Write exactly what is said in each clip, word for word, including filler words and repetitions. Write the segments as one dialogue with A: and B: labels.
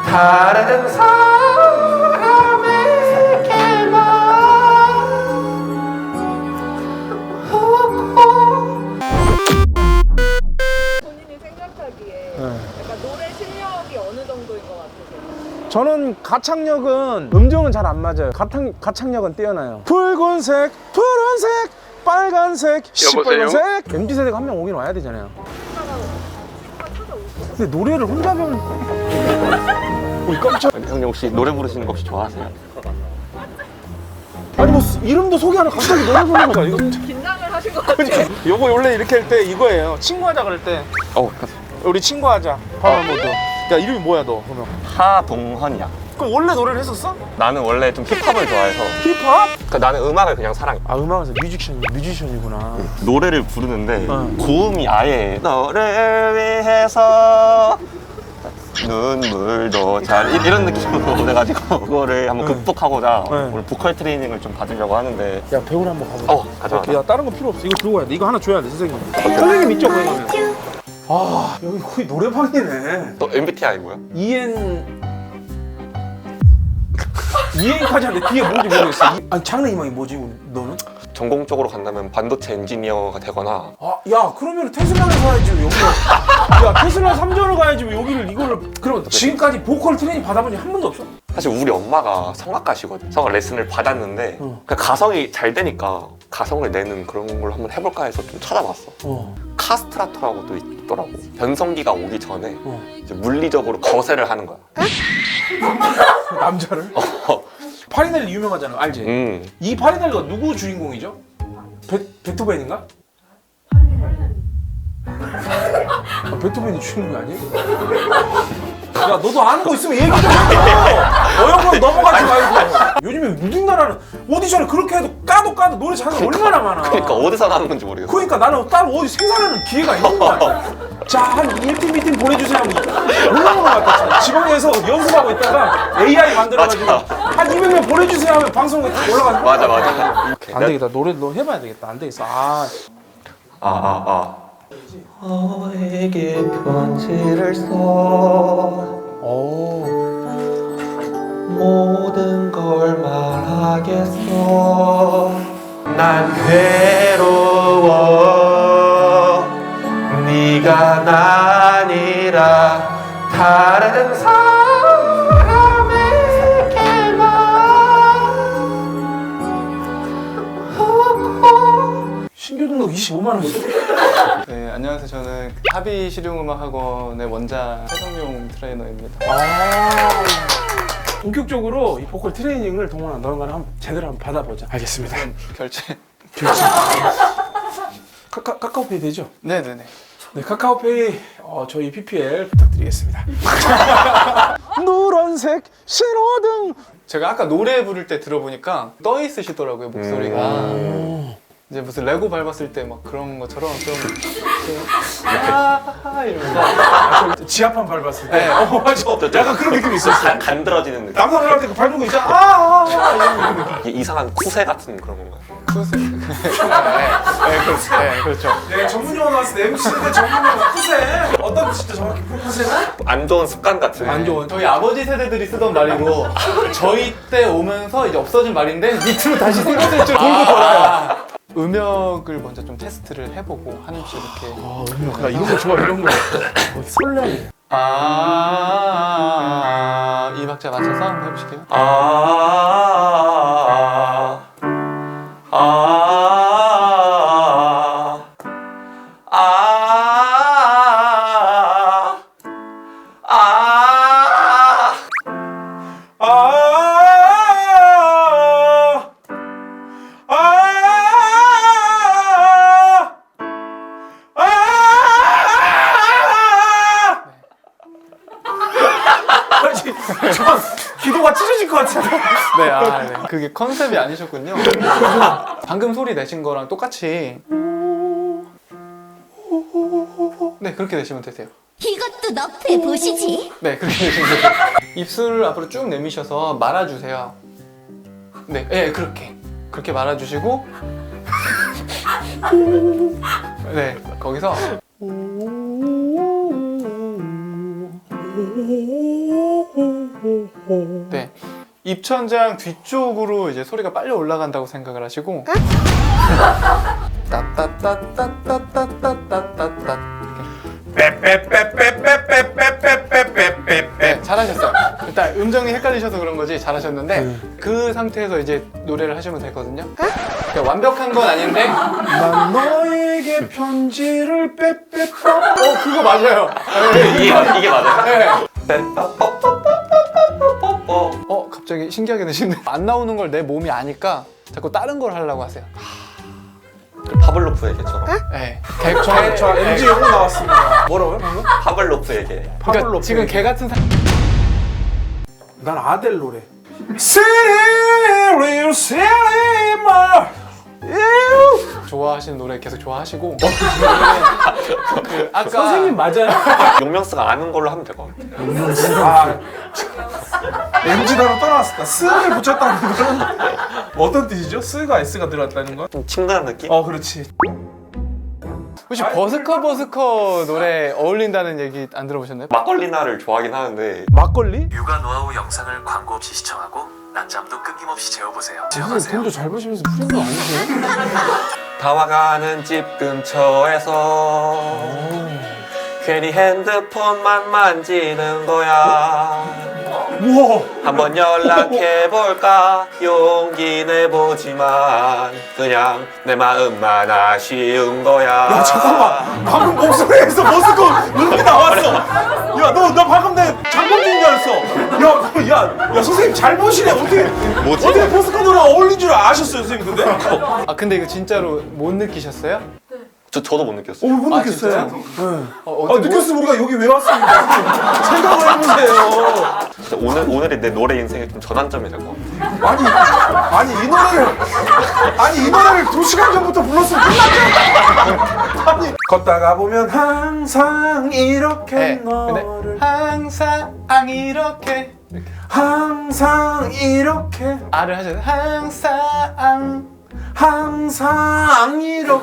A: 다른 사람에게만
B: 본인이 생각하기에 약간 노래 실력이 어느 정도인 것 같으세요?
C: 저는 가창력은 음정은 잘 안 맞아요. 가창, 가창력은 뛰어나요. 붉은색, 푸른색, 빨간색, 시뻘건색. 엠지 세대가 한 명 오긴 와야 되잖아요. 근데 노래를 혼자 배우는 우리 깜짝.
A: 형님 혹시 노래 부르시는 거 혹시 좋아하세요?
C: 아니 뭐 이름도 소개하는 갑자기 노래 부르는 거야. 이거
B: 긴장을 하신 것 같아요.
C: 요거 원래 이렇게 할 때 이거예요. 친구하자 그럴 때
A: 어
C: 우리 친구하자. 파워 모드. 야 이름이 뭐야 너 그러면?
A: 하동헌이야.
C: 그럼 원래 노래를 했었어?
A: 나는 원래 좀 힙합을 좋아해서
C: 힙합?
A: 그러니까 나는 음악을 그냥 사랑해.
C: 아 음악에서 뮤지션 뮤지션이구나.
A: 노래를 부르는데
C: 어.
A: 고음이 아예 너를 위해서 눈물도 잘 이- 이런 느낌으로 그래가지고 그거를 한번
C: 네.
A: 극복하고자
C: 네.
A: 오늘 보컬 트레이닝을 좀 받으려고 하는데
C: 야 배우를 한번 가보자.
A: 어 가져와.
C: 야 다른 거 필요 없어. 이거 들고 가야 돼. 이거 하나 줘야 돼 선생님. 선생님 있죠 거기 가면. 아 여기 거의 노래방이네.
A: 너 엠비티아이 뭐야?
C: 이엔 이엔까지 하는데 뒤에 뭔지 모르겠어. 이... 아니 장래 희망이 뭐지 우리, 너는?
A: 전공적으로 간다면 반도체 엔지니어가 되거나
C: 아 야 그러면 테슬라를 가야지 왜 여기를. 야 테슬라 삼전을 가야지 왜 여기를 이거를. 그럼 지금까지 보컬 트레이닝 받아본 적 한 번도 없어?
A: 사실 우리 엄마가 성악가시거든. 성악 레슨을 받았는데
C: 어.
A: 그 가성이 잘 되니까 가성을 내는 그런 걸 한번 해볼까 해서 좀 찾아봤어.
C: 어.
A: 카스트라토라고 또 있더라고. 변성기가 오기 전에
C: 어.
A: 이제 물리적으로 거세를 하는 거야.
C: 남자를? 파리넬리 유명하잖아 알지?
A: 음.
C: 이 파리넬리가 누구 주인공이죠? 베, 베토벤인가? 아, 베토벤이 주인공이 아니에요? 야 너도 아는 거 있으면 얘기 좀 해줘. 어영으로 넘어가지 말고. 요즘에 우리나라는 오디션을 그렇게 해도 까도 까도 노래 잘하는 거 얼마나 많아.
A: 그러니까 어디서 나는 건지 모르겠어.
C: 그러니까 나는 따로 어디 생산하는 기회가 있는 거야. 자, 한 일 팀, 이 팀 보내주세요 하면 올라오는 거 같아. 지방에서 연습하고 있다가 에이아이 만들어가지고
A: 맞아.
C: 한 이백 명 보내주세요 하면 방송에 딱 올라가는 거야.
A: 맞아 맞아.
C: 안 되겠다. 노래 너 해봐야 되겠다. 안 되겠어. 아,
A: 아아 아. 너에게 편지를 써
C: 오.
A: 모든 걸 말하겠어. 난 괴로워. 네가 아니라 다른 사람에게만.
C: 신규등록 이십오만 원.
D: 네, 안녕하세요. 저는 합의 실용음악학원의 원장 해성용 트레이너입니다.
C: 아. 본격적으로 이 보컬 트레이닝을 동원아 너랑 나랑 한번 제대로 한번 받아보자. 알겠습니다.
D: 결제.
C: 카카, 카카오페이 되죠?
D: 네네네.
C: 네, 카카오페이 어, 저희 피피엘 부탁드리겠습니다. 노란색 신호등.
D: 제가 아까 노래 부를 때 들어보니까 떠 있으시더라고요, 목소리가.
C: 음.
D: 이제 무슨 레고 밟았을 때 막 그런 것처럼 좀 아하하 이러면서
C: 지하판 밟았을 때.
D: 네.
C: 어, 맞아. 약간 그런 느낌이 있었어.
A: 간, 간드러지는 느낌.
C: 남산 올라갈 때 그 밟는 거 있잖아. 아, 아, 아, 이런 느낌.
A: 이게 이상한 쿠세 같은 그런 건가요?
D: 쿠세. 네, 네, 그렇죠. 네, 그렇죠.
C: 네, 전문 용어 나왔을 때 엠씨인데 전문 용어 쿠세. 어떤 뜻이죠 정확히 쿠세는?
A: 안 좋은 습관 같은.
C: 안 좋은.
D: 저희 아버지 세대들이 쓰던 말이고 저희 때 오면서 이제 없어진 말인데 밑으로 다시 생겼을 줄 돌고 돌아요. 음역을 먼저 좀 테스트를 해보고 한 입씩 이렇게
C: 아, 음악. 나 이런 거 좋아, 이런 거. 어, 설레네.
D: 아, 이 박자 맞춰서 한번 해보실게요.
A: 아, 아, 아, 아, 아,
C: 아, 아, 아, 저 기도가 찢어질 것 같은데.
D: 네, 아, 네. 그게 컨셉이 아니셨군요. 방금 소리 내신 거랑 똑같이 네, 그렇게 내시면 되세요.
E: 이것도 너프해 보시지.
D: 네, 그렇게 내시면 되세요. 입술을 앞으로 쭉 내미셔서 말아주세요. 네, 예, 그렇게 그렇게 말아주시고 네, 거기서 네. 입천장 뒤쪽으로 이제 소리가 빨리 올라간다고 생각을 하시고 따따따따따따따따따 네, 잘하셨어요. 일단 음정이 헷갈리셔서 그런 거지 잘하셨는데 그 상태에서 이제 노래를 하시면 되거든요. 그러니까 완벽한 건 아닌데
C: 난 너에게 편지를 빼빼빠.
D: 어 그거 맞아요.
A: 이게, 맞- 이게 맞아요?
D: 네. 어 갑자기 신기하게 되시네. 안 나오는 걸 내 몸이 아니까 자꾸 다른 걸 하려고 하세요.
A: 파블로프에게처럼.
D: 네.
C: 저, 저 엠지 영어 나왔습니다. 뭐라고요? 방금?
A: 파블로프에게.
D: 그러니까
C: 파블로프
D: 지금
C: 얘기.
D: 개 같은 사...
C: 난 아델 노래. Silly, silly, my.
D: 좋아하시는 노래 계속 좋아하시고 그 아까
C: 선생님 맞아요?
A: 용명스가 아는 걸로 하면 될 것 같아요.
C: 아, 엠지 단어 떠나왔다. 스를 붙였다는 건 어떤 뜻이죠? 스가 S가 들어갔다는 건?
A: 좀 친근한 느낌?
C: 어, 그렇지.
D: 혹시 버스커 버스커 노래 어울린다는 얘기 안 들어보셨나요?
A: 막걸리나를 좋아하긴 하는데
C: 막걸리?
F: 육아 노하우 영상을 광고 없이 시청하고 낮잠도 끊김없이 재워보세요.
C: 선생님 돈도 잘 버시면서 프리미엄 아니세요?
A: 다와가는 집 근처에서 괜히 핸드폰만 만지는 거야.
C: 우와.
A: 한번 연락해볼까 용기 내보지만 그냥 내 마음만 아쉬운 거야.
C: 야, 잠깐만. 방금 목소리에서 머스코 눈이 나왔어. 야, 너, 너 방금 내 장범준인 줄 알았어. 야, 야, 야, 선생님 잘 보시네. 어떻게,
A: 뭐지?
C: 어떻게 머스코 노래가 어울린 줄 아셨어요, 선생님, 근데?
D: 아 근데 이거 진짜로 못 느끼셨어요?
A: 저, 저도 못
C: 어,
A: 느꼈어요.
C: 못
D: 아,
C: 느꼈어요.
D: 진짜요?
C: 네.
D: 어,
C: 아, 느꼈으면 우리가 여기 왜 왔습니까? 생각을 해보세요.
A: 진짜 오늘, 오늘이 내 노래 인생의 좀 전환점이 될 것 같아요.
C: 아니, 아니, 이 노래를, 아니, 이 노래를 두 시간 전부터 불렀으면 끝났잖아. 아니, 걷다가 보면 항상 이렇게
D: 네.
C: 너를,
D: 근데 항상 이렇게
C: 항상 이렇게,
D: 아를 하셔서 항상
C: 항상 이렇게.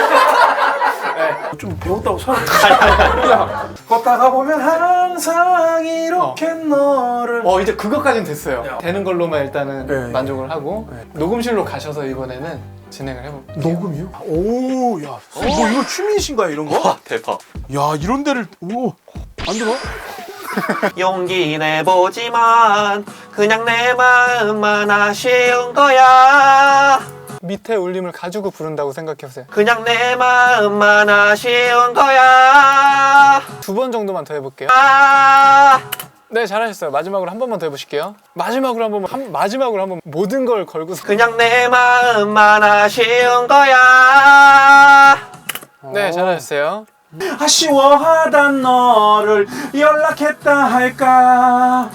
C: 좀 배웠다고 사람. 야, 걷다가 보면 항상 이렇게 너를.
D: 어 이제 그것까지는 됐어요.
C: 야.
D: 되는 걸로만 일단은
C: 네.
D: 만족을 하고
C: 네.
D: 녹음실로 가셔서 이번에는 진행을 해볼게요.
C: 녹음이요? 오, 야, 선생님 뭐 이거 취미이신가요, 이런 거?
A: 와 대박.
C: 야, 이런 데를, 오, 안 들어?
A: 용기 내보지만 그냥 내 마음만 아쉬운 거야.
D: 밑에 울림을 가지고 부른다고 생각해보세요.
A: 그냥 내 마음만 아쉬운 거야.
D: 두 번 정도만 더 해볼게요.
A: 아
D: 네 잘하셨어요. 마지막으로 한 번만 더 해보실게요. 마지막으로 한번 한, 마지막으로 한번 모든 걸 걸고서
A: 그냥 내 마음만 아쉬운 거야.
D: 네 잘하셨어요.
C: 아쉬워하던 너를 연락했다 할까?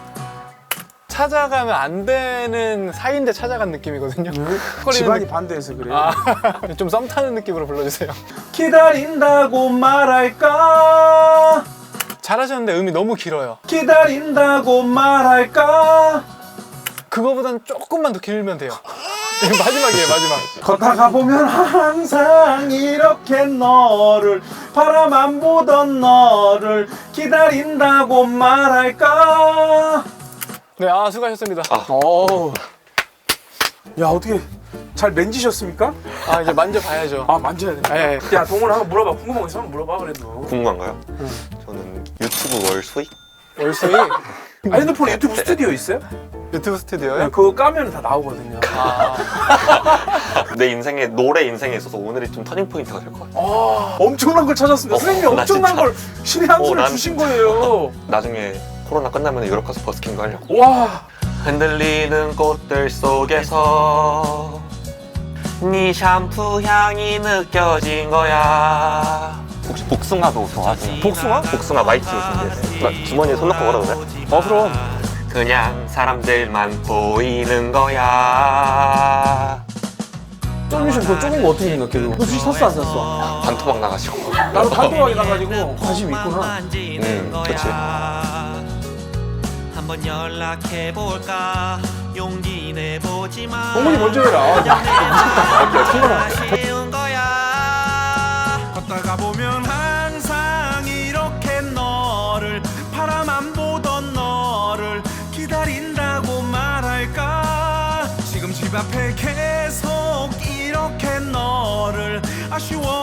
D: 찾아가면 안 되는 사이인데 찾아간 느낌이거든요.
C: 집안이 반대해서 그래요.
D: 아, 좀 썸 타는 느낌으로 불러주세요.
C: 기다린다고 말할까?
D: 잘하셨는데 음이 너무 길어요.
C: 기다린다고 말할까?
D: 그거보단 조금만 더 길면 돼요. 이거 마지막이에요 마지막.
C: 걷다가 보면 항상 이렇게 너를 바라만 보던 너를 기다린다고 말할까?
D: 네, 아 수고하셨습니다.
C: 어. 야, 어떻게 잘 만지셨습니까?
D: 아 이제 만져봐야죠.
C: 아, 만져야 돼.
D: 네.
C: 야, 동훈아 한번 물어봐. 궁금한 거 있으면 물어봐 그래도.
A: 궁금한가요? 저는 유튜브 월 수익?
D: 월수이
C: 아, 핸드폰에 유튜브 스튜디오 있어요?
D: 유튜브
C: 네,
D: 스튜디오요?
C: 그거 까면 다 나오거든요.
D: 아,
A: 내 인생에 노래 인생에 있어서 오늘이 좀 터닝 포인트가 될 것 같아요.
C: 아, 엄청난 걸 찾았습니다.
A: 어,
C: 선생님이
A: 나
C: 엄청난
A: 진짜.
C: 걸 신의 한
A: 어,
C: 수를
A: 난
C: 주신
A: 진짜.
C: 거예요.
A: 나중에 코로나 끝나면 유럽 가서 버스킹도 하려고.
C: 와,
A: 흔들리는 꽃들 속에서 네 샴푸 향이 느껴진 거야. 혹시 복숭아도 좋아하세요?
C: 복숭아?
A: 복숭아 마이티 준비했어요. 나 주머니에 손 넣고 걸어도 돼?
C: 어, 그럼.
A: 그냥 사람들만 보이는 거야.
C: 쫄미션 그거 쪼는 거 어떻게 생각해? 너 주식 샀어 안 샀어?
A: 반토막 나가시고.
C: 나도 단도하게 나가지고 관심 있구나.
A: 음, 그렇지.
G: 한번 연락해볼까 용기 내보지만
C: 동훈이 먼저 해라.
G: 아쉬운 거야.
F: 걷다가 보면 항상 이렇게 너를 바라만 보던 너를 기다려
G: 앞에 계속 이렇게 너를 아쉬워